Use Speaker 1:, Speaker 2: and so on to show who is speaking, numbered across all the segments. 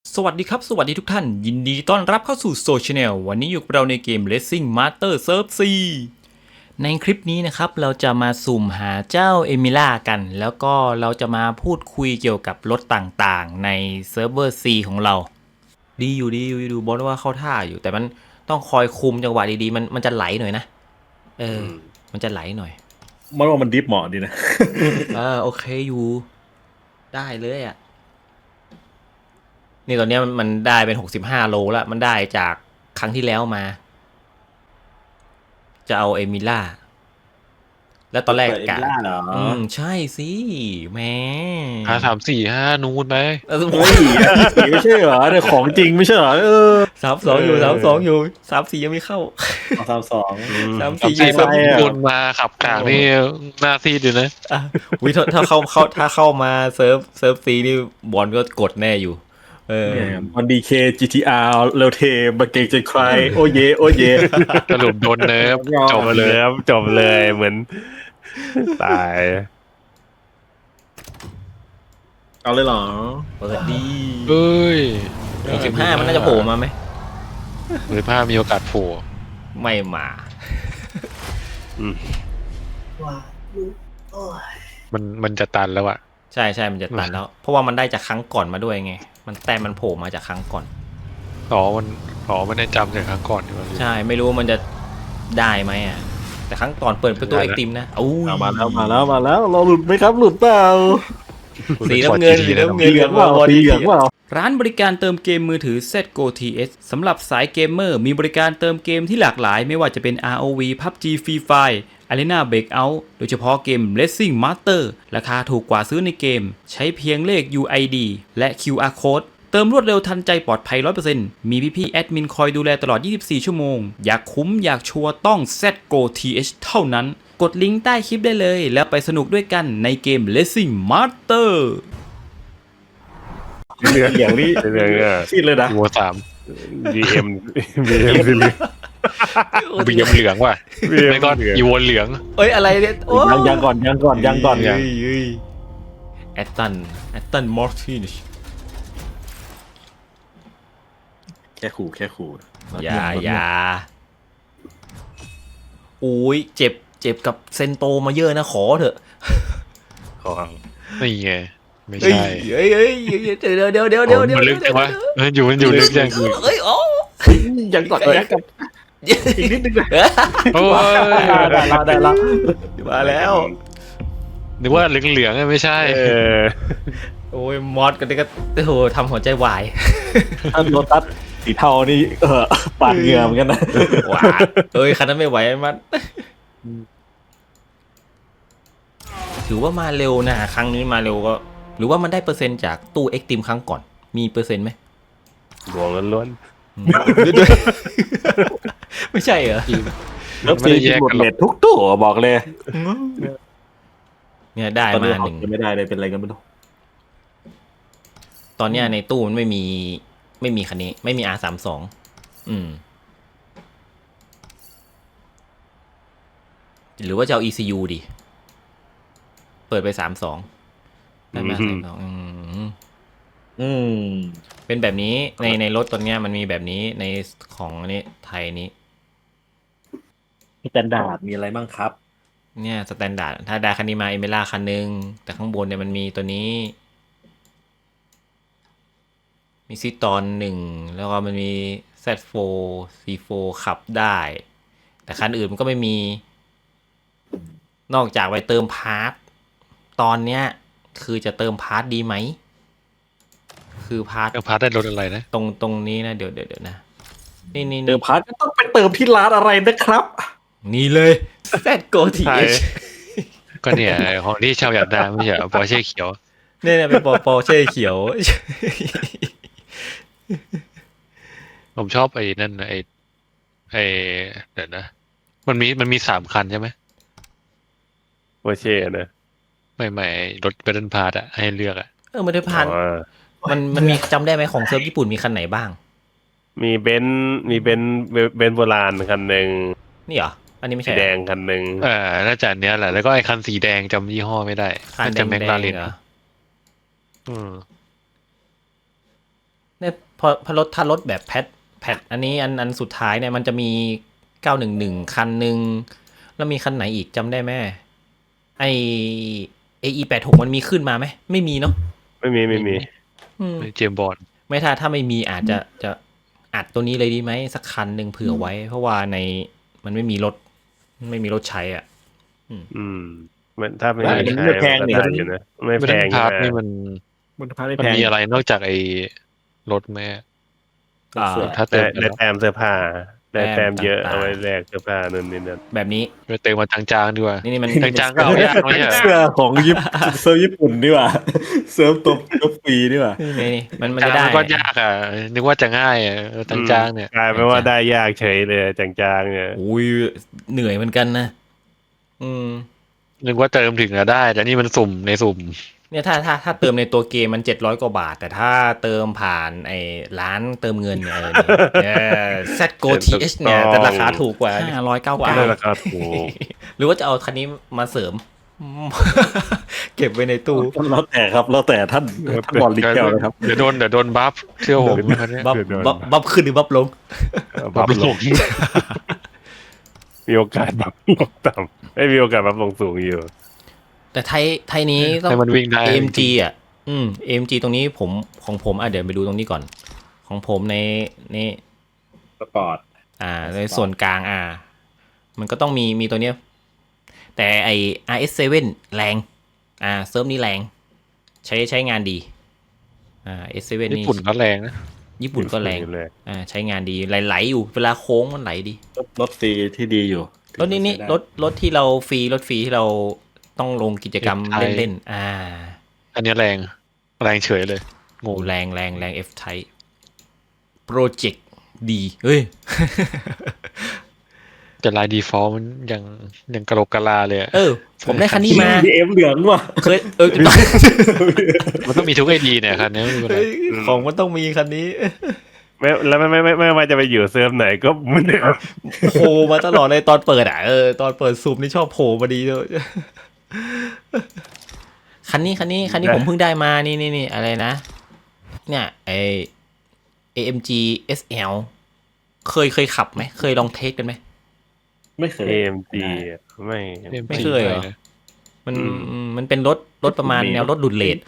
Speaker 1: สวัสดีครับสวัสดีทุกท่านยินดีต้อนรับเข้าสู่โซเชียลวันนี้อยู่กับเราในเกม Racing Master Serve C ในคลิปนี้นะครับเราจะมาสุ่มหาเจ้าเอมิล่ากันแล้วก็เราจะมาพูดคุยเกี่ยวกับรถต่างๆในเซิร์ฟเวอร์ C ของเราดีอยู่ดูบอสว่าเข้าท่าอยู่แต่มันต้องคอยคุมจังหวะดีๆมันจะไหลหน่อยนะมันจะไหลหน่อย
Speaker 2: มันว่ามันดิฟเหมาะดีนะ
Speaker 1: โอเคอยู่ได้เลยอ่ะนี่ตอนนี้มันได้เป็น65 โลแล้วมันได้จากครั้งที่แล้วมาจะเอาเอมิล่าแล้วตอนแรกกะ
Speaker 2: เหรอ
Speaker 1: ใช่สิแหม
Speaker 3: 5 3 4 5นูนไป
Speaker 2: เฮ้ยสีไม่ใช่เหรอแต่ของจริงไม่ใช่เหรอ
Speaker 1: 32อยู่32อยู่34ยังไม่เข้า
Speaker 2: 32
Speaker 1: 34อยู่
Speaker 3: 3 4แบบวนมาขับกลางนี่หน้าซีดอยู่นะ
Speaker 1: วิถ้าเข้ามาเซิร์ฟซีนี่บอลก็กดแน่อยู่
Speaker 2: มันดีเค GTR เร็วเทมาเก่งจนใครโอเยโอเย
Speaker 3: สรุปโดนเนิร์ฟจบเลย
Speaker 4: จบเลยเหมือนตาย
Speaker 2: เอาเลยเหรอ
Speaker 1: เปิดดี
Speaker 3: เฮ้ย
Speaker 1: 65มันน่าจะโผล่มาไหม
Speaker 3: 65มีโอกาสโผล่
Speaker 1: ไม่มา
Speaker 3: มันจะตันแล้วอะ
Speaker 1: ใช่มันจะตันแล้วเพราะว่ามันได้จากครั้งก่อนมาด้วยไงมันโผล่มาจากครั้งก่อน
Speaker 3: มันได้จำจากครั้งก่อนที่มัน
Speaker 1: ใช่ไม่รู้ว่ามันจะได้ไหมอ่ะแต่ครั้งก่อนเปิดประตูไอติมนะอู้ย
Speaker 2: มาแล้วเราหลุดไหมครับหลุดเปล่า
Speaker 1: สีน้ำเงิน
Speaker 2: สีเหลืองเปล่าสีเหลืองเปล่า
Speaker 1: ร้านบริการเติมเกมมือถือ ZGO TS สำหรับสายเกมเมอร์มีบริการเติมเกมที่หลากหลายไม่ว่าจะเป็น ROV PUBG Free Fire Arena Breakout โดยเฉพาะเกม Racing Master ราคาถูกกว่าซื้อในเกมใช้เพียงเลข UID และ QR Code เติมรวดเร็วทันใจปลอดภัย 100% มีพี่ๆแอดมินคอยดูแลตลอด 24 ชั่วโมง อยากคุ้มอยากชัวร์ต้อง ZGO TH เท่านั้น กดลิงก์ใต้คลิปได้เลยแล้วไปสนุกด้วยกันในเกม Racing Master
Speaker 2: เหลืองนี่
Speaker 4: เรื่องเนี่ย
Speaker 2: ซีดเลยนะ
Speaker 3: วัว
Speaker 4: BM BM สีเหลือง
Speaker 3: บีเอ็มเหลืองว่ะไม่ก็อีโวนเหลือง
Speaker 1: เอ้ยอะไรเนี่ยโอ้
Speaker 2: ยังก่อน
Speaker 1: แอตตันมอร์ตินช์
Speaker 2: แค่ขู่
Speaker 1: อย่าอุ้ยเจ็บกับเซนโตมาเยอะนะขอเถอะ
Speaker 4: ของ
Speaker 3: นี่ไงไม่
Speaker 1: เฮ้ย
Speaker 3: ใช่
Speaker 1: เดี๋ยว
Speaker 3: มันลึกจังวะมันอยู่ลึกจัง
Speaker 1: เฮ้ยโอ้
Speaker 2: ยังก่อนกับอีกนิดนึงเลย
Speaker 3: โอ้ย
Speaker 2: ได้แล้ว
Speaker 1: มาแล้ว
Speaker 3: นึกว่าเหลืองไม่ใช่
Speaker 1: โอ้ยมอสกันนี่ก็โอ้โหทำหัวใจวาย
Speaker 2: ถ้าโลตัสสีเทานี่ปาดเหงื่อเหมือนกันนะ
Speaker 1: ว้าเอ้ยคันนั้นไม่ไหวมันถือว่ามาเร็วนะครั้งนี้มาเร็วก็หรือว่ามันได้เปอร์เซ็นต์จากตู้เอ็กติมครั้งก่อนมีเปอร์เซ็นต์ไหม
Speaker 4: ดวงล้วน
Speaker 1: ด้วยไม่ใช่เหรอ
Speaker 2: แล้วซีหมดเน็ตทุกตัวบอกเลย
Speaker 1: เนี่ยได้มาหนึ่ง
Speaker 2: ไม่ได้เลยเป็นอะไรกันไม่รู้
Speaker 1: ตอนเนี้ยในตู้มันไม่มีคันนี้ไม่มี R32 หรือว่าจะเอา ECU ดิเปิดไป32ได้มาเป็นแบบนี้ในรถตัวเนี้ยมันมีแบบนี้ในของอันนี้ไทยนี้
Speaker 2: สแตนดาร์ดมีอะไรบ้างครับ
Speaker 1: เนี่ยสแตนดาร์ดถ้าได้คันนี้มาเอเมล่าคันนึงแต่ข้างบนเนี่ยมันมีตัวนี้มีซิตอน1แล้วก็มันมี Z4 C4 ขับได้แต่คันอื่นมันก็ไม่มีนอกจากไปเติมพาร์ทตอนเนี้ยคือจะเติมพาร์ทดีไหมคือพาร์ท
Speaker 3: พาร์ทได้รถอะไรนะ
Speaker 1: ตรงนี้นะเดี๋ยวนะนี่
Speaker 2: เติมพาร์ทก็ต้องไปเติมที่ร้านอะไรนะครับ
Speaker 1: นี่เลย ZGO TH
Speaker 3: ก็เนี่ยของที่ชาวอยากได้ไม่ใช่ปอร์เช่เขียว
Speaker 1: เนี่ยเป็นปอเช่เขียว
Speaker 3: ผมชอบไอ้นั่นไอ้เดี๋ยวนะมันมี3 คันใช่ไหม
Speaker 4: ๆโอเช่นะ
Speaker 3: ไม่รถเบรนพาร์ทอะให้เลือกอะ
Speaker 1: มันได้ผ่านมันมีจำได้ไหมของเซิร์ฟญี่ปุ่นมีคันไหนบ้าง
Speaker 4: มีเบนซ์โบราณคันหนึ่ง
Speaker 1: นี่เหรออันนี้ไม่
Speaker 4: สี
Speaker 1: ใช่
Speaker 4: แดงคันหนึ่ง
Speaker 3: น่าจะอันเนี้ยแหละแล้วก็ไอ้คันสีแดงจำยี่ห้อไม่ได้
Speaker 1: คัน
Speaker 3: น่า
Speaker 1: แด
Speaker 3: จะ
Speaker 1: ง
Speaker 3: แมคลาเรน
Speaker 1: เหรอเนี่ยพอรถถ้ารถแบบแพทอันนี้อันสุดท้ายเนี่ยมันจะมี911คันหนึ่งแล้วมีคันไหนอีกจำได้ไหมไอAE86มันมีขึ้นมาไหมไม่มีเนาะ
Speaker 4: ไม่มี
Speaker 1: อืม
Speaker 3: เจมส์บอนด์
Speaker 1: ไม่ถ้าไม่มีอาจจะอัดตัวนี้เลยดีไหมสักคันหนึ่งเผื่อไว้ เพราะว่ามันไม่มีรถใช้อ่ะ
Speaker 4: อืมมันถ้าไม่
Speaker 2: ได้
Speaker 4: มี
Speaker 2: มัน
Speaker 4: ใช้
Speaker 2: ไม่แพง
Speaker 4: ก็
Speaker 2: นี่
Speaker 4: ได้อยู่นะไม่แพง
Speaker 3: พาร์ท
Speaker 4: ใช่ไหม
Speaker 3: นี่มัน
Speaker 2: มันพาได้
Speaker 3: มัน
Speaker 2: แพง
Speaker 3: มีอะไรนอกจากไอ้รถแม่
Speaker 1: อ่า
Speaker 3: ถ้าเติ
Speaker 4: ได้
Speaker 3: มไป
Speaker 4: ได้
Speaker 3: แล้ว
Speaker 4: แต้มเสื้อผ้าได้แต้มเยอะ
Speaker 1: ต่างๆ
Speaker 4: เอาไว้แลกเสื้อผ้านั่นนี่นั่น
Speaker 1: แบบนี้
Speaker 3: ไปเติมมาจางๆดีกว่า
Speaker 1: นี่มัน
Speaker 3: จางๆก็เอายากไม่ใช่เหรอ
Speaker 2: เสื้อของเซิร์ฟญี่ปุ่นนี่หว่าเซิร์ฟตบก็ฟรีนี่หว่า
Speaker 1: นี่มัน
Speaker 3: จาง
Speaker 1: จะได้
Speaker 3: มันก็ยากอ่ะนึกว่าจะง่ายอ่ะจางๆเนี่ย
Speaker 4: กลายเป็นว่าได้ยากเฉยเลยจางๆเนี่ย
Speaker 1: อุ้ยเหนื่อยเหมือนกันนะ
Speaker 3: นึกว่าเติมถึงจะได้ แต่นี่มันสุ่มในสุ่ม
Speaker 1: เนี่ยถ้าเติมในตัวเกมมัน700 กว่าบาท แต่ถ้าเติมผ่านไอ้ร้านเติมเงินเนี่ยZGO TH เนี่ยจะราคาถูกกว่า599
Speaker 4: ได้ราคาถูก
Speaker 1: หรือว่าจะเอาคันนี้มาเสริม เก็บไว้ในตู้
Speaker 2: แล้วแต่ครับแล้วแต่ท่านบอลลิเกลนะครับ
Speaker 3: เดี๋ยวโดนบัฟเชื่อผมคันเนี้ย
Speaker 1: บับขึ้นหรือบับลง
Speaker 4: บัฟลงมีโอกาสบัฟลงต่ำไม่มีโอกาสบัฟลงสูงอยู่
Speaker 1: แต่ไทยนี้ต้อง
Speaker 3: ให้มันวิ่งได้
Speaker 1: AMG อ่ะAMG ตรงนี้ของผมเดี๋ยวไปดูตรงนี้ก่อน ของผมในนี่
Speaker 2: สปอร์ต
Speaker 1: ในส่วนกลางมันก็ต้องมีตัวเนี้ย แต่ไอ RS7 แรงเซิร์ฟนี่แรงใช้งานดีS7
Speaker 3: ญี่
Speaker 1: นี่
Speaker 3: ปุ่นก็แรงนะ
Speaker 1: ญี่ปุ่นก็แรง
Speaker 4: เลย
Speaker 1: ใช้งานดีไหลอยู่เวลาโค้งมันไหลดี
Speaker 2: รถฟรีที่ดีอยู่
Speaker 1: รถนี่รถที่เราฟรีที่เราต้องลงกิจกรรมเล่น
Speaker 3: อันนี้แรงเฉยเลยง
Speaker 1: โอ้
Speaker 3: ง
Speaker 1: แรง F Type Project ดีเฮ้ย
Speaker 3: แต่ลายดีฟอลมันยังกระโหลกกะลาเลยอะ
Speaker 1: ผมได้คันนี้มา
Speaker 2: BM เหลืองว่ะ
Speaker 1: เคย
Speaker 3: มันต้องมีทุกไอดีเนี่ยคันนี้ไม่มีปัญหา
Speaker 1: ของมันต้องมีคันนี้
Speaker 4: แล้วไม่ว่าจะไปอยู่เซิร์ฟไหนก็เหมือนเดิม
Speaker 1: โผล่มาตลอดเลยตอนเปิดตอนเปิดซูมนี่ชอบโผล่มาดีเลยคันนี้ผมเพิ่งได้มานี่อะไรนะเนี่ยAMG SL เคยขับไหมเคยลองเทสกันไหม
Speaker 2: ไม่เคย
Speaker 4: AMG ไม่
Speaker 1: ไม่เคยเหรอ มันเป็นรถประมาณแนวรถดุดเลด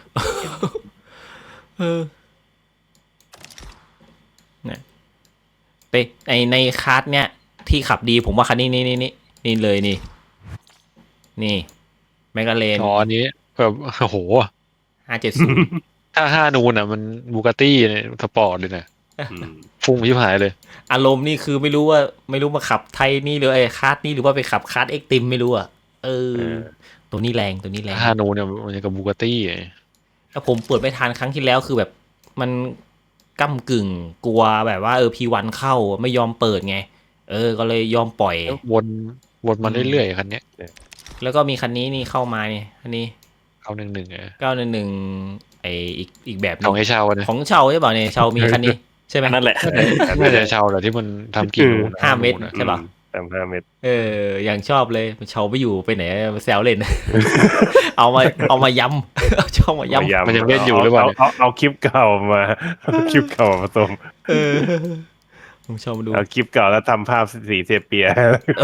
Speaker 1: เนี่ยไปในคาร์ดเนี่ยที่ขับดีผมว่าคันนี้นี่เลยนี่แมกกาเลน
Speaker 3: อ๋ออันนี้แบบโอ้โห
Speaker 1: 570
Speaker 3: ถ้า5นูนอ่ะมันบูกาตี้เนี่ยสปอร์ตเลยนะฟุ้งชิบหายเลย
Speaker 1: อารมณ์นี่คือไม่รู้มาขับไทยนี่หรือคาร์ดนี่หรือว่าไปขับคาร์ดเอ็กติมไม่รู้อ่ะตัวนี้แรง
Speaker 3: 5นูนเนี่ยมันกับบูกาตี้
Speaker 1: แล้วผมเปิดไม่ทันครั้งที่แล้วคือแบบมันก้ำกึ่งกลัวแบบว่าP1 เข้าไม่ยอมเปิดไงก็เลยยอมปล่อย
Speaker 3: วนมาเรื่อยๆคันเนี้ย
Speaker 1: แล้วก็มีคันนี้นี่เข้ามาเนี่ยอันนี้
Speaker 3: 911
Speaker 1: 911อีกแบบ
Speaker 3: ของไอ้ชาวนะ
Speaker 1: ของเชาใช่ป่ะเนี่ยเชามีคันนี้ใช่ไหม
Speaker 2: นั่นแหละ
Speaker 3: น่าจะชาวแหละที่มันทำกี่นูน
Speaker 1: 5 เมตรใช่ป่ะ
Speaker 4: 5 เมตร
Speaker 1: อย่างชอบเลยเชาไปอยู่ไปไหนมาแซวเล่น เอามาย้ำเอาช่องมาย้ำ
Speaker 3: มันยังเล่นอยู่หรือเปล่าเนี่ย
Speaker 4: เอาคลิปเก่ามาคลิปเก่ามาผสม
Speaker 1: ผมชอบมาดู
Speaker 4: เอาคลิปเก่าแล้วทำภาพสีเซเปีย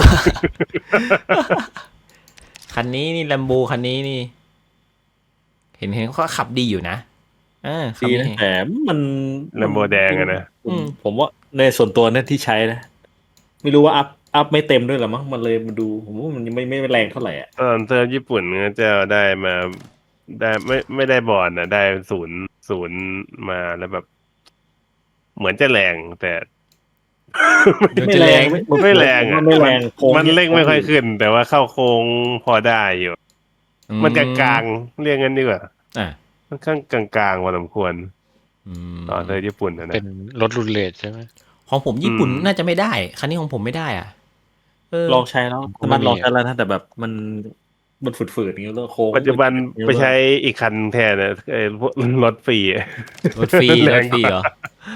Speaker 1: คันนี้นี่แลมโบคันนี้นี่ เห็นเขาขับดีอยู่นะขับ
Speaker 2: ดีนะแต่มัน
Speaker 4: แลมโบแดงอะนะ
Speaker 2: ผมว่าในส่วนตัวเนี่ยที่ใช้นะ ไม่รู้ว่าอัพไม่เต็มด้วยหรอมั้งมันเลยมาดู ผมว่ามันยังไม่แรงเท่าไหร่อ่ะ
Speaker 4: ตอนเซิร์ฟญี่ปุ่นก็จะได้มาได้ไม่ได้บอลนะได้ศูนย์มาแล้วแบบ เหมือนจะแรงแต่
Speaker 2: ไม่แรง
Speaker 4: ไม่แรงอะ
Speaker 2: ไม่แรงโค้ง
Speaker 4: มันเร่งไม่ค่อยขึ้น แต่ว่าเข้าโค้งพอได้อยู่ มันกลางๆเรียกงั้นดีกว่า ค่อนข้างกลางๆพอสมควรตอนเซิร์ฟญี่ปุ่นนะ
Speaker 3: เป็นรถรุ่นเลทใช่ไหม
Speaker 1: ของผมญี่ปุ่นน่าจะไม่ได้คันนี้ของผมไม่ได้
Speaker 2: ลองใช้แล้วมันลองใช้แล้วนะแต่แบบมันฝืดๆอย่างเงี้ยแล้วโค้ง
Speaker 4: ปัจจุบันไปใช้อีกคันแทนนะพวกรถฟรี
Speaker 1: รถฟรีเหรอ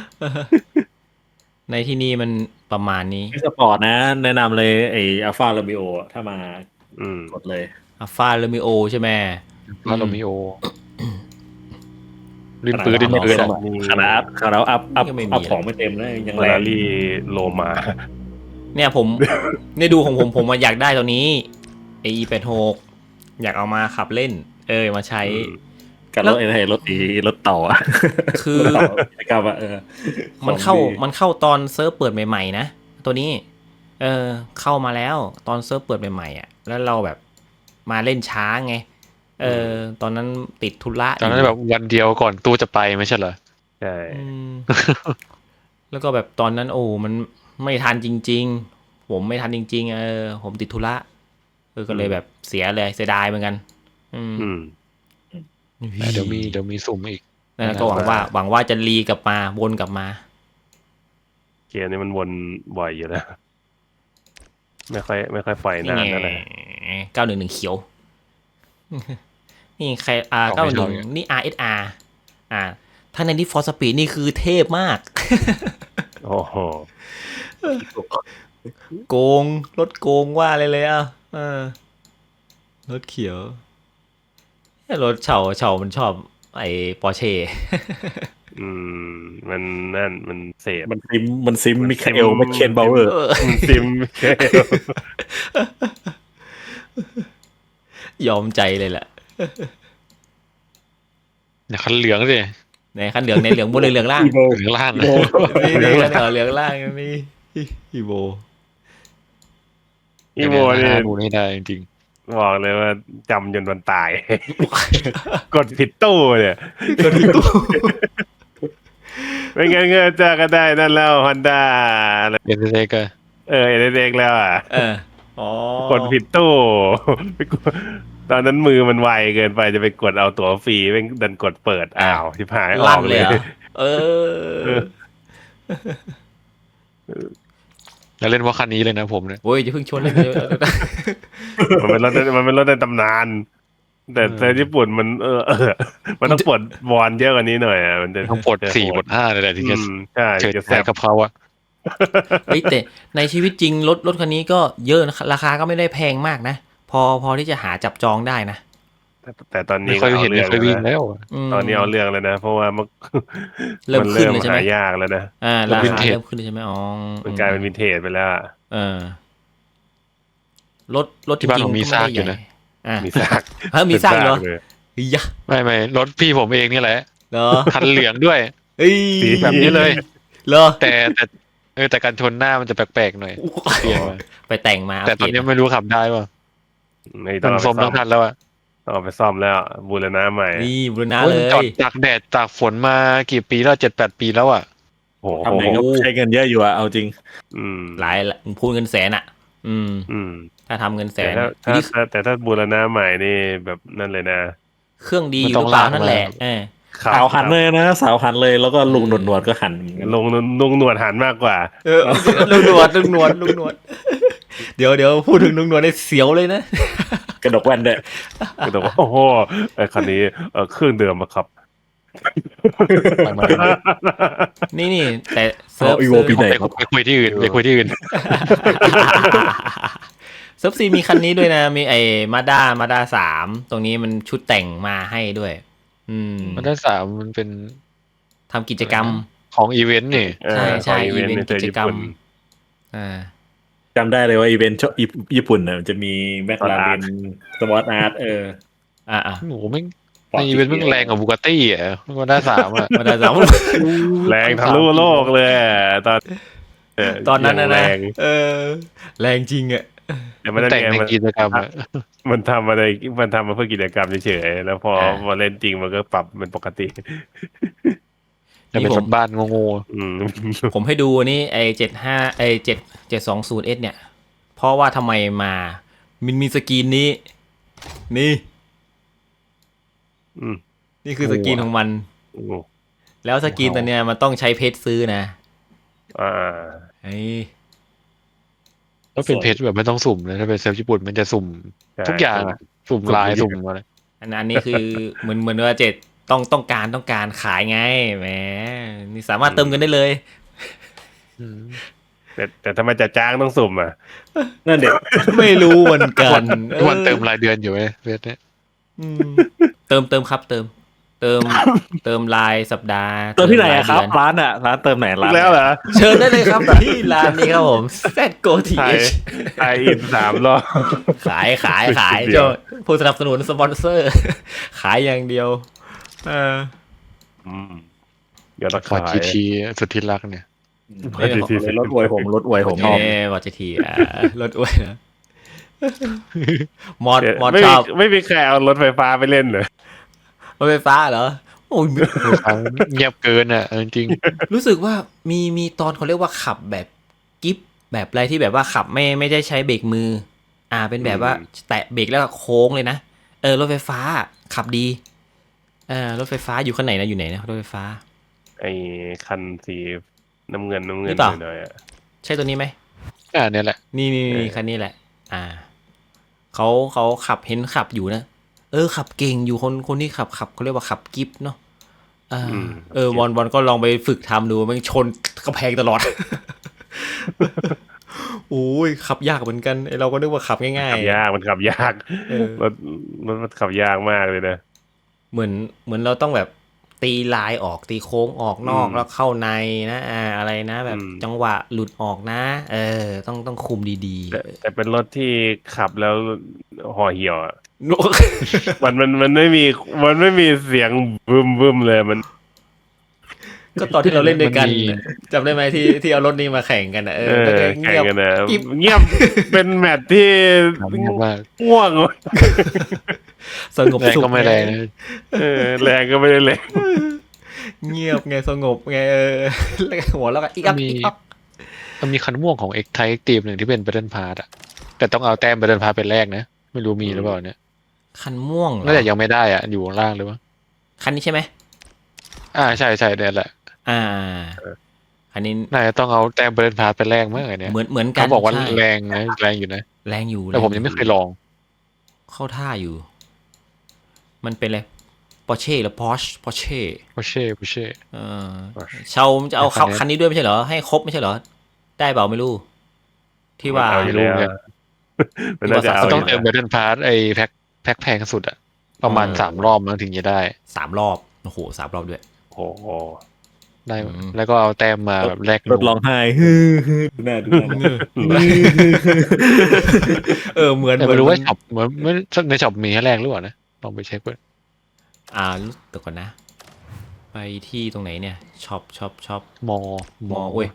Speaker 1: ในที่นี่มันประมาณนี้
Speaker 2: สปอร์ตนะ แนะนำเลยไอ้อัลฟาโรมิโอถ้ามากดเลย
Speaker 1: อัลฟาโรมิโอใช่ไหม
Speaker 3: ว่าเรามีโอลิ้นปืนลิ้นปืน
Speaker 2: ขนาดอัพของไม่เต็มเลยยัง
Speaker 4: เฟอ
Speaker 2: แร
Speaker 4: ร์ราง รี่โลมา
Speaker 1: เนี่ยผม เนี่ยดูของผมอยากได้ตัวนี้ AE86 อยากเอามาขับเล่น มาใช้
Speaker 2: กับรถรถต่ออะ
Speaker 1: คือ
Speaker 2: กิจกรรมอะ
Speaker 1: มันเข้าตอนเซิร์ฟเปิดใหม่ๆนะตัวนี้เข้ามาแล้วตอนเซิร์ฟเปิดใหม่ๆอ่ะแล้วเราแบบมาเล่นช้าไงตอนนั้นติดธุระ
Speaker 3: ตอนนั้นแบบวันเดียวก่อนตู้จะไปไม่ใช่เหรอ
Speaker 4: ใช่
Speaker 1: แล้วก็แบบตอนนั้นมันไม่ทันจริงๆผมไม่ทันจริงๆผมติดธุระก็เลยแบบเสียดายเหมือนกัน
Speaker 3: แต่เดี๋ยวมีสุ่มอีก
Speaker 1: นั่นก็หวังว่าจะรีกลับมาวนกลับมา
Speaker 4: เกมนี้มันวนบ่อยอยู่แล้วไม่ค่อยปล่อยนานนั่นแหละ
Speaker 1: 911เขียวนี่ใคร91นี่ RSR ถ้าในนี้ For Speed นี่คือเทพมาก
Speaker 4: โอ้โห
Speaker 1: โกงรถโกงว่าเลยรถเขียวรถเฉามันชอบไอ้ปอร์เช่
Speaker 4: มันเสพ
Speaker 2: มันซิมมิคาเอลแมคเคนบาวเวอร์
Speaker 4: มันซิม
Speaker 1: ยอมใจเลยแหละ
Speaker 3: เนี่ยคันเหลืองสิ
Speaker 1: ในคันเหลืองในเหลืองบนเหลืองล่าง
Speaker 3: เหลืองล่าง
Speaker 1: นี่เหลืองล่างนี่อีโบ
Speaker 3: นี่ดูไม่ได้จริง
Speaker 4: บอกเลยว่าจำจนวันตาย กดผิดตู้เนี่ย
Speaker 1: กดผิดตู้
Speaker 4: ไม่งั้นก็จะได้นั่นแล้วฮอนด้า
Speaker 3: เอ็นเด็ก
Speaker 4: เด็กแล้วกดผิดตู้ตอนนั้นมือมันไวเกินไปจะไปกดเอาตั๋วฟรีเพ่งดันกดเปิดชิบหายออกเลย
Speaker 3: แล้วเล่นว่าคันนี้เลยนะผมเนี่ย
Speaker 1: โอ้ยจะเพิ่งชนเลย
Speaker 4: มันเป็นรถในตำนานแต่ในญี่ปุ่นมันมันต้องปลดวอนเยอะกว่านี้หน่อยมันจะ
Speaker 3: ต้องปลด4 ปลด 5เลยแหละถึงจะ
Speaker 4: ใช่
Speaker 3: จะแซ่บกับเขาอะ
Speaker 1: แต่ในชีวิตจริงรถคันนี้ก็เยอะนะราคาก็ไม่ได้แพงมากนะพอที่จะหาจับจองได้นะ
Speaker 4: แต่ตอนนี้
Speaker 3: เคยเห็นเคยวิ่งแล้ว
Speaker 4: ตอนนี้เอาเรื่องแล้วนะเพราะว่ามัน
Speaker 1: เริ่มขึ้นเลยใช่ไหม
Speaker 4: หายากแล้วนะ
Speaker 1: ราคาเริ่มขึ้นเลยใช่ไหม
Speaker 4: มันกลายเป็นวินเทจไปแล้ว
Speaker 1: รถ
Speaker 3: ที่บ้านผมมีซากอยู่นะ
Speaker 4: มีซาก
Speaker 1: มีซากเหรอ
Speaker 3: ไม่รถพี่ผมเองนี่แหละคันเหลืองด้วยแบบนี้เลย
Speaker 1: เหรอ
Speaker 3: แต่การชนหน้ามันจะแปลกๆหน่อย
Speaker 1: ไปแต่งมา
Speaker 3: แต่ตอนนี้ไม่รู้ขับได้ป่ะมันซ่อมทั้งคันแล้วอะ
Speaker 4: เอาไปซ่อมแล้วบูรณะใหม่
Speaker 1: นี่บูรณะเลย
Speaker 3: จอดตากแดดตากฝนมากี่ปีแล้ว7-8 ปีแล้วอ่ะ
Speaker 2: โอ้โหทำไหนก็ใช้เงินเยอะอยู่อะเอาจริง
Speaker 1: หลายพูดเงินแสนอ่ะถ้าทำเงินแสน
Speaker 4: แต่ถ้าบูรณะใหม่นี่แบบนั่นเลยนะ
Speaker 1: เครื่องดีอยู่เปล่านั่นแหละ
Speaker 2: สาวหันเลยนะสาวหันเลยแล้วก็ลุงหนวดก็หัน
Speaker 4: ลุงหนวดหันมากกว่า
Speaker 1: ลุงหนวดเดี๋ยวพูดถึงลุงหนวดได้เสียวเลยนะ
Speaker 2: กระดกแว่นด้วย
Speaker 4: กระดกโอ้โหไอ้คันนี้เครื่องเดิมอะครับ
Speaker 1: นี่แต่
Speaker 2: เซิร์ฟ
Speaker 3: ไปคุยที่อื่น
Speaker 1: เซิร์ฟซีมีคันนี้ด้วยนะมีไอ้มาด้า3ตรงนี้มันชุดแต่งมาให้ด้วย
Speaker 3: มาด้า3มันเป็น
Speaker 1: ทำกิจกรรม
Speaker 3: ของอีเวนต์นี่
Speaker 1: ใช่อีเวนต์กิจกรรม
Speaker 2: จำได้เลยว่าอีเวนต์ญี่ปุ่นเนี่ยจะมีแม็กลาเรนสปอร์ตอาร์ต
Speaker 3: โหไม่ในอีเวนต์มันแรงกว่าบูกาตี้อ่ะมาด้า3อ่ะ
Speaker 1: มาด้า3
Speaker 4: แรงทะลุโลกเลย
Speaker 1: ตอนนั้นนะแรงจริงอ่ะ
Speaker 3: มันแต่งในกิจกรรม
Speaker 4: มันทำมาเพื่อกิจกรรมเฉยๆแล้วพอมาเล่นจริงมันก็ปรับเป็นปกติ
Speaker 3: นี่ผมบ้านงง
Speaker 1: ผมให้ดูนี่ไอ้75ไอ้720S เนี่ยเพราะว่าทำไมมามันมีสกรีนนี้นี่คือสกรีนของมันแล้วสกรีนตัวเนี้ยมันต้องใช้เพชรซื้อนะ
Speaker 3: ต้องเป็นเพชรแบบไม่ต้องสุ่มเลยถ้าเป็นเซิร์ฟญี่ปุ่นมันจะสุ่มทุกอย่างสุ่มลายสุ่มอะไร
Speaker 1: อันนี้คือเหมือนว่าต้องการขายไงแหมนี่สามารถเติมเงินได้เลย
Speaker 4: แต่ทำไมจะจ้างต้องสุ่ม
Speaker 2: นั่นเด็ก
Speaker 1: ไม่รู้เหมือนกัน
Speaker 3: วันเติมรายเดือนอยู่เว้ยเวทเนี่ย
Speaker 1: เติมครับเติมเติม เติมรายสัปดาห์
Speaker 2: เติมที่ไหนอะครับ
Speaker 1: เติมายเดือน
Speaker 2: ร้านอะร้านเติมไหนร้าน
Speaker 4: แล้วเหรอ
Speaker 1: เชิญได้เลยครับที่ร้านนี้ครับผม ZGO
Speaker 4: ไทย
Speaker 1: TH
Speaker 4: ไทยอิน3 รอบ
Speaker 1: ขาย
Speaker 4: เดี๋ยว
Speaker 1: เจ้าผู้สนับสนุนสปอนเซอร์ ขายอย่างเดียวเออ
Speaker 4: เดี๋ยวเรา
Speaker 3: ฟอร์
Speaker 4: ขาย
Speaker 3: จีทีสุดที่รักเนี่ย
Speaker 2: รถอวยผมรถอวยผม
Speaker 1: เอ้วอจทีรถอ้วยนะมอด
Speaker 4: ไม่
Speaker 1: ช
Speaker 4: มี
Speaker 1: อบ
Speaker 4: ไม่มีใครเอารถไฟฟ้าไปเล่นเลย
Speaker 1: รถไฟฟ้าเหรอโอ้ย
Speaker 3: เงียบเกินอ่ะจริง
Speaker 1: รู้สึกว่ามีตอนเขาเรียกว่าขับแบบกิฟแบบอะไรที่แบบว่าขับไม่ได้ใช้เบรกมือ เป็นแบบว่าแตะเบรกแล้วก็โค้งเลยนะรถไฟฟ้าขับดีรถไฟฟ้าอยู่ข้างไหนนะอยู่ไหนนะรถไฟฟ้า
Speaker 4: ไอ้คันสีน้ำเงิน
Speaker 1: นี่เปล่า
Speaker 4: หน่อยๆอะ
Speaker 1: ใช่ตัวนี้ไหม
Speaker 3: เนี่ยแหละ
Speaker 1: นี่คันนี้แหละ เขาขับเห็นขับอยู่นะขับเก่งอยู่คนที่ขับเขาเรียกว่าขับกิฟเนาะบอลก็ลองไปฝึกทำดูมันชนกระแพงตลอด โอ้ยขับยากเหมือนกันไอเราก็นึกว่าขับง่าย
Speaker 4: ขับยากมันขับยากรถมันขับยากมากเลยนะ
Speaker 1: เหมือนเราต้องแบบตีลายออกตีโค้งออกนอกแล้วเข้าในนะอะไรนะแบบจังหวะหลุดออกนะต้องคุมดีๆ
Speaker 4: แต่เป็นรถที่ขับแล้วห่อเหี่ยวอะ
Speaker 1: โน้
Speaker 4: มันไม่มีเสียงบึ้มเลยมัน
Speaker 1: ก็ตอนที่เราเล่นด้วยกัน
Speaker 3: มันมี
Speaker 1: จำได้ไหมที่เอารถนี้มาแข่งกันแล้วก็
Speaker 4: แข่
Speaker 1: เงี
Speaker 4: ง
Speaker 1: ยบ
Speaker 4: กันนะ
Speaker 1: กิ๊บ
Speaker 4: เงียบเป็นแมตช์ที่
Speaker 3: มาก
Speaker 4: ง่วง
Speaker 1: สงบ
Speaker 3: แรง
Speaker 1: สุข
Speaker 3: ก็ไม่แรงนะ
Speaker 4: แรงก็ไม่ได้เลย
Speaker 1: เงียบไงสงบไงแล้วก็หัวแล้วก็อีกอัพอีกอัพ
Speaker 3: มันมีคันม่วงของเอ็กไทเอ็กตีมหนึ่งที่เป็น Battle Pass อ่ะแต่ต้องเอาแต้ม Battle Pass เป็นแรกนะไม่รู้มีหรือเปล่าเนี่ย
Speaker 1: คันม่วงเหรอ
Speaker 3: น่าจะยังไม่ได้อ่ะอยู่ข้างล่างหรือวะ
Speaker 1: คันนี้ใช่ไหม
Speaker 3: ใช่เนี่ยแหละ
Speaker 1: อันนี้
Speaker 3: น่าจะต้องเอาแต้ม Battle Pass เป็นแรกมั้งไงเนี่ย
Speaker 1: เหมือนกัน
Speaker 3: เขาบอกว่า
Speaker 1: ใช่
Speaker 3: แรงนะแรงอยู่นะ
Speaker 1: แรงอยู่
Speaker 3: แต่ผมยังไม่เคยลอง
Speaker 1: เข้าท่าอยู่ มันเป็นอะไรปอร์เช่หรือพอร์เช่
Speaker 3: ผู้เช่
Speaker 1: เชาจะเอาคันนี้ด้วยไม่ใช่เหรอให้ครบไม่ใช่เหรอได้เปล่าไม่รู้ที่ว่า
Speaker 4: เอาอยู่แล้วมันน่าจะเอา
Speaker 3: ต้อง
Speaker 4: ยู่
Speaker 3: เติม Battle Pass ไอ้แพ็คแพงสุดอ่ะประมาณ3 รอบมั้งถึงจะได้
Speaker 1: 3 รอบโอ้โห3 รอบด้วย
Speaker 4: โอ้โห
Speaker 3: ได้แล้วก็เอาแต้มมาแบบแลก
Speaker 2: รถร้องไห้ดูหน้า
Speaker 1: เหมือน
Speaker 3: แต่ไม่รู้ว่าช็อปเหมือนในช็อปมีให้แลกหรือเปล่านะลองไปเช็คด้วย
Speaker 1: เดี๋ยวก่อนนะ ไปที่ตรงไหนเนี่ยช็อป
Speaker 3: มอ
Speaker 1: เว้ย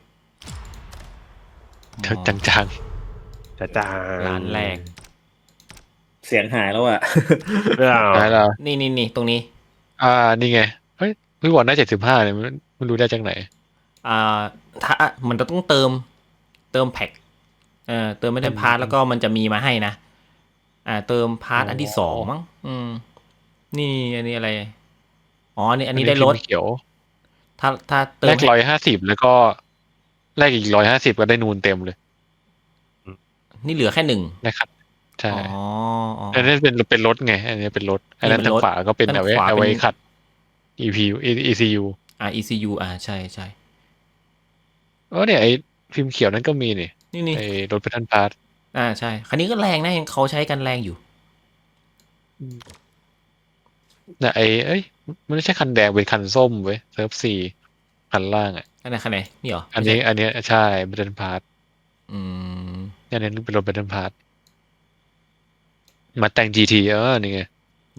Speaker 3: จัง
Speaker 4: จ้า
Speaker 1: ร้านแรก
Speaker 2: เสียงหายแล้วอ่ะ
Speaker 3: ได้แล้ว
Speaker 1: นี่ตรงนี้
Speaker 3: นี่ไงเฮ้ยพี่บอกได้75เนี่ยมันรู้ได้จากไหน
Speaker 1: ถ้ามันต้องเติมแพ็คเติมไม่ได้พาร์ทแล้วก็มันจะมีมาให้นะเติมพาร์ทอันที่2มั้งนี่อันนี้อะไรอันนี้ได้ลด
Speaker 3: เขียว
Speaker 1: ถ้าเติม
Speaker 3: แลก150แล้วก็แลกอีก150ก็ได้นูนเต็มเลย
Speaker 1: นี่เหลือแค่1
Speaker 3: นะครับใช่
Speaker 1: อ๋อ
Speaker 3: อันนี้เป็นรถไงอันนี้เป็นรถอันนั้นทางขวาก็เป็นเอาไว้ขัด ECU
Speaker 1: ECU ใช่
Speaker 3: เนี่ยไอ้พิมพ์เขียวนั้นก็มีนี่
Speaker 1: นี่
Speaker 3: ไอ้รถBattle Pass
Speaker 1: ใช่คันนี้ก็แรงนะเห็นเขาใช้กันแรงอยู่
Speaker 3: เนี่ยมันไม่ใช่คันแดงเป็นคันส้มเว้ยเซิร์ฟ4คันล่างอ่ะ
Speaker 1: คันไหนนี่เหรอ
Speaker 3: อันนี้ใช่ Battle Pass เนี่ยนี่เป็นรถBattle Pass มาแต่ง GT นี่ไง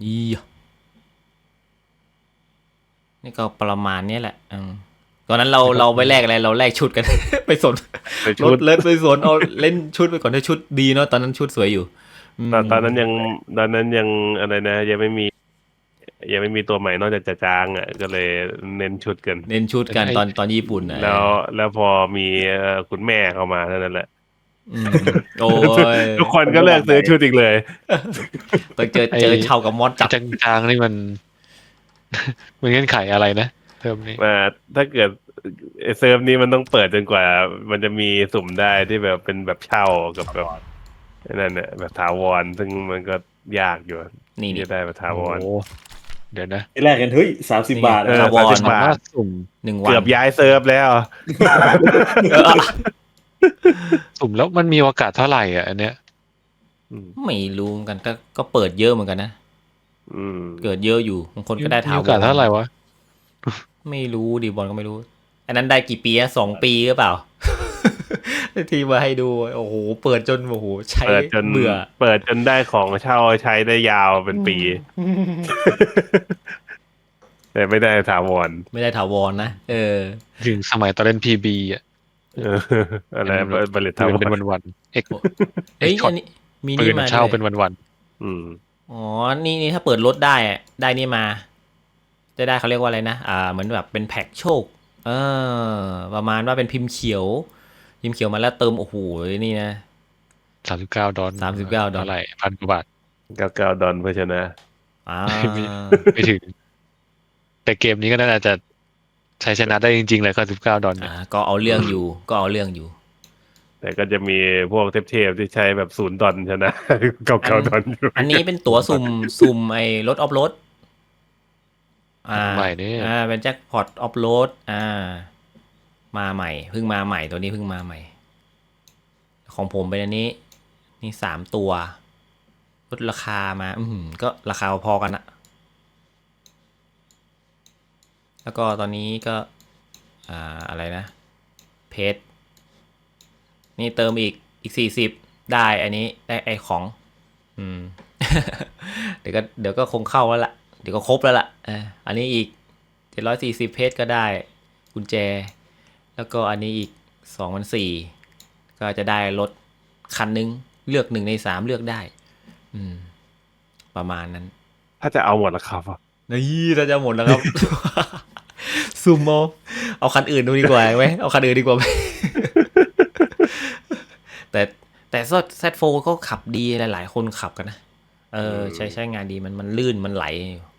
Speaker 1: นี่ก็ประมาณนี้แหละตอนนั้นเราไปแลกอะไรเราแลกชุดกัน ไปสนรถเลิศไปสนเอาเล่นชุดไปก่อนถ้าชุดดีเนาะตอนนั้นชุดสวยอยู่
Speaker 4: ตอนนั้นยังอะไรนะยังไม่มีตัวใหม่นอกจากจะจางอ่ะก็เลยเน้นชุดกัน
Speaker 1: ตอนญี่ปุ่น
Speaker 4: แล้วพอมีคุณแม่เข้ามาเท่านั้นแหละ
Speaker 1: โอ้ย
Speaker 4: ทุกคนก็เลิกซื้อชุดอีกเลย
Speaker 1: ต้องเจอชาวกับมอสจับ
Speaker 3: จางนี่มัน มันเงื่อนไขอะไรนะเทอมนี้
Speaker 4: ถ้าเกิดเซิร์ฟนี้มันต้องเปิดจนกว่ามันจะมีสุ่มได้ที่แบบเป็นแบบเช่ากับแบบนั่นเนี่ยแบบถาวรซึ่งมันก็ยากอยู่นี่จะได้แบบถาวร
Speaker 3: เดี๋ยวนะ
Speaker 2: ที่แรกกันเฮ้ย30 บาท
Speaker 1: ถาวร
Speaker 4: 30 บาท
Speaker 3: สุ่ม
Speaker 1: 1 วัน
Speaker 4: เกือบย้ายเซิร์ฟแล้ว
Speaker 3: สุ่มแล้วมันมีโอกาสเท่าไหร่อ่ะอันเนี้ย
Speaker 1: ไม่รู้เหมือนกันก็เปิดเยอะเหมือนกันนะ
Speaker 4: อืม
Speaker 1: เกิดเยอะอยู่บางคนก็ได้ถาว
Speaker 3: โอกาส
Speaker 1: ร
Speaker 3: เท่าไหร่วะ
Speaker 1: ไม่รู้ดิบอลก็ไม่รู้ อันนั้นได้กี่ปีอะ2 ปีหรือเปล่า ที่มาให้ดูโอ้โหเปิดจนโอ้โหใช้
Speaker 4: เปิดจน
Speaker 1: เบื่อ
Speaker 4: เปิดจนได้ของเช่าใช้ได้ยาวเป็นปี แต่ไม่ได้ถาวร
Speaker 1: ไม่ได้ถาวรนะ
Speaker 3: ถึงสมัยตอนเล่นพีบีอ่ะ
Speaker 4: เอออะไรบริษัทถา
Speaker 3: ปื
Speaker 4: วน
Speaker 3: เป็น
Speaker 4: ร
Speaker 3: วันๆเอ็ก
Speaker 1: เอ้ย
Speaker 3: ช็อ
Speaker 1: อั
Speaker 3: ต
Speaker 1: นนี้มี
Speaker 3: ปื
Speaker 1: นี่
Speaker 3: น
Speaker 1: มา
Speaker 3: เช่า
Speaker 1: ด้วย
Speaker 3: เป็นวัน
Speaker 4: อืม
Speaker 1: อ๋อนี่ถ้าเปิดรถได้อะได้นี่มา จะได้เขาเรียกว่าอะไรนะเหมือนแบบเป็นแพ็กโชคประมาณว่าเป็นพิมพ์เขียวมาแล้วเติมโอ้โหนี่นะ
Speaker 3: $39
Speaker 1: $39
Speaker 3: เท่าไหร่1,000 กว่าบาท
Speaker 4: 99 ดอลเพื่อชนะ
Speaker 1: อ่า
Speaker 3: ไม่ถึง แต่เกมนี้ก็น่าจะใช้ชนะได้จริงๆเลย$99เนี่ย
Speaker 1: ก็เอาเรื่องอยู่
Speaker 4: แต่ก็จะมีพวกเทพๆที่ใช้แบบ0 ดอลชนะ 99 ดอลอยู่
Speaker 1: อันนี้เป็นตั๋วสุ่มไอ้รถออฟโรด
Speaker 3: ใหม่เนี่ย
Speaker 1: เป็นแจ็คพอตออฟโรดมาใหม่เพิ่งมาใหม่ตัวนี้เพิ่งมาใหม่ ของผมเป็นอันนี้นี่3 ตัวลดราคามาก็ราคาพอกันอะแล้วก็ตอนนี้ก็อะไรนะเพจนี่เติมอีก40ได้อันนี้ได้ไอของเดี๋ยวก็คงเข้าแล้วล่ะเดี๋ยวก็ครบแล้วล่ะอันนี้อีก740เพจก็ได้กุญแจแล้วก็อันนี้อีก2,400ก็จะได้รถคันนึงเลือก1 ใน 3เลือกได้ประมาณนั้น
Speaker 4: ถ้าจะเอาหมดละครับ
Speaker 1: นี่เราจะหมดแล้วครับ ซูมเอาคันอื่นดูดีกว่าไหมเอาคันอื่นดีกว่าไหม แต่Z4 ก็ขับดีหลายๆคนขับกันนะใช้งานดีมันลื่นมันไหล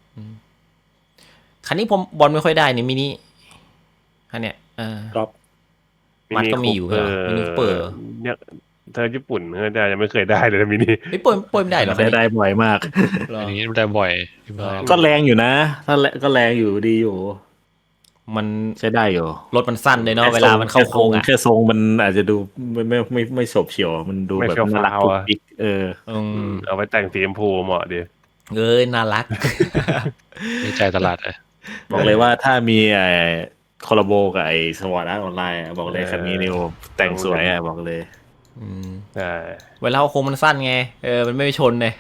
Speaker 1: คันนี้ผมบอลไม่ค่อยได้นี่มินิคันเนี้ย
Speaker 2: ครับ
Speaker 1: มันก็มีอยู่เหรอมินิเปิด
Speaker 4: เนี่ยเธอญี่ปุ่นเธอจะยังไม่เคยได้เลยนะมินิ
Speaker 1: ไม่เปิดไม่ได้หรอ
Speaker 2: ได้บ่อยมาก
Speaker 3: อันนี้ได้บ่อยที่บ้าน
Speaker 2: ก็แรงอยู่นะถ้าก็แรงอยู่ดีอยู่
Speaker 1: มัน
Speaker 2: ใช้ได้อยู่
Speaker 1: รถมันสั้นเลยเนาะเวลามันเข้าโค้งอ่ะ
Speaker 2: แค่ทรงมันอาจจะดูไม่โฉบเฉี่ยวมันดูแบบน่ารักปุ๊กปิ๊ก
Speaker 4: เอาไปแต่งสีชมพูเหมาะดี
Speaker 1: น่ารัก
Speaker 3: มีใจตลาดเลย
Speaker 2: บอกเลยว่าถ้ามีคอลลาโบกับไอ้สวอตอาร์ตออนไลน์บอกเลยคันนี้นิวแต่งสวยบอกเลย
Speaker 4: ใช่
Speaker 1: เวลาโค้งมันสั้นไงมันไม่ชนเลย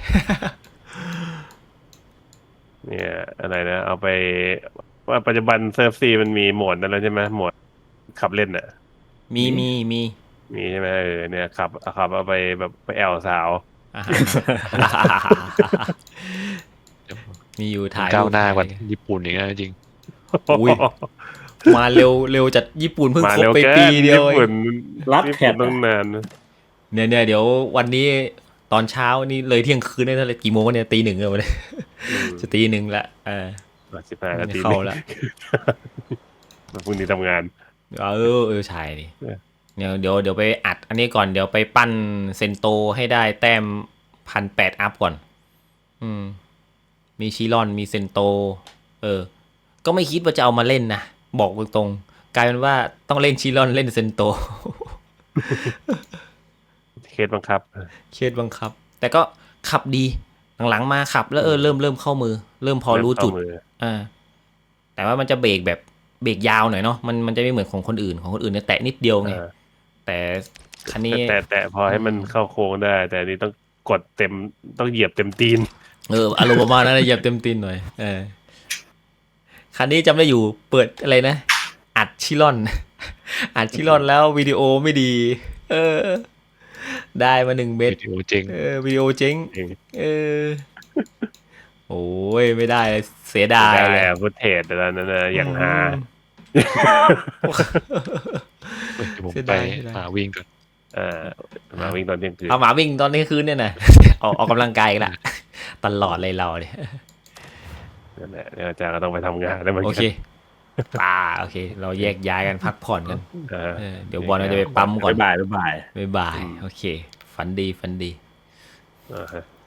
Speaker 4: เนี่ยอะไรนะเอาไปว่าปัจจุบันเซิร์ฟซีมันมีโหมดนั้นแล้วใช่ไหมโหมดขับเล่นอ่ะ
Speaker 1: มี
Speaker 4: ใช่ไหมเนี่ยขับเอาไปแบบไปแอลสาว
Speaker 1: มีอยู่ถ่าย
Speaker 3: ก้าวหน้ากว่าญี่ปุ่นอีกนะจริง
Speaker 1: อุ้ยมาเร็วจัดญี่ปุ่นเพิ่ง
Speaker 4: มา
Speaker 1: ครบ
Speaker 4: เร็ว
Speaker 1: ไป
Speaker 4: แก้
Speaker 1: ปีเดียว
Speaker 4: ญี่ปุ่น
Speaker 2: รับ
Speaker 4: ญี่
Speaker 2: แข
Speaker 4: ปุ่
Speaker 2: ก
Speaker 4: นต้องนาน
Speaker 1: เนี่ยเดี๋ยววันนี้ตอนเช้านี่เลยเที่ยงคืนได้เท่าไหร่กี่โมงเนี่ยตี 1เลยวันนี้จะตี 1ละ
Speaker 4: 15 นาที
Speaker 1: เข้าแล้ว
Speaker 4: พรุ่งนี้ทำงาน
Speaker 1: ใช่ดิเดี๋ยวไปอัดอันนี้ก่อนเดี๋ยวไปปั้นเซนโตให้ได้แต้ม1,800 อัพก่อนมีชิรอนมีเซนโตก็ไม่คิดว่าจะเอามาเล่นนะบอกตรงๆกลายเป็นว่าต้องเล่นชิรอนเล่นเซนโต
Speaker 4: เคสบังคับ
Speaker 1: แต่ก็ขับดีหลังๆมาขับแล้วเริ่มเข้ามือเริ่มพอรู้จุดแต่ว่ามันจะเบรกแบบเบรกยาวหน่อยเนาะมันจะไม่เหมือนของคนอื่นเนี่ยแตะนิดเดียวไงแต่คันนี้
Speaker 4: แต่พอให้มันเข้าโค้งได้แต่นี่ต้องกดเต็มต้องเหยียบเต็มตีน
Speaker 1: อารมณ์ประมาณนั้นเหยียบเต็มตีนหน่อยคันนี้จำได้อยู่เปิดอะไรนะอัดชิรอนแล้ววิดีโอไม่ดีได้มา1 เม็ด
Speaker 3: วิดีโอเจ๋ง
Speaker 1: วิดีโอเจ๊งโอ้ยไม่ได้เสียดายเลย
Speaker 4: ฟุตเทจแต่นั้นนะอย่างหา
Speaker 3: ผมไปหาวิ่งก่อน
Speaker 4: มาวิ่งตอนเที่ยงคืน
Speaker 1: เอาหมาวิ่งตอนนี้คืนเนี่ยนะออกกำลังกายกันละตลอดเลยเราเนี่ย
Speaker 4: นั่นแหละเดี๋ยวอาจารย์ก็ต้องไปทำงานแล้วมัน
Speaker 1: โอเคโอเคเราแยกย้ายกันพักผ่อนกันเดี๋ยวบอลเราจะไปปั๊มก่อน
Speaker 2: บ่าย
Speaker 1: โอเคฝันดี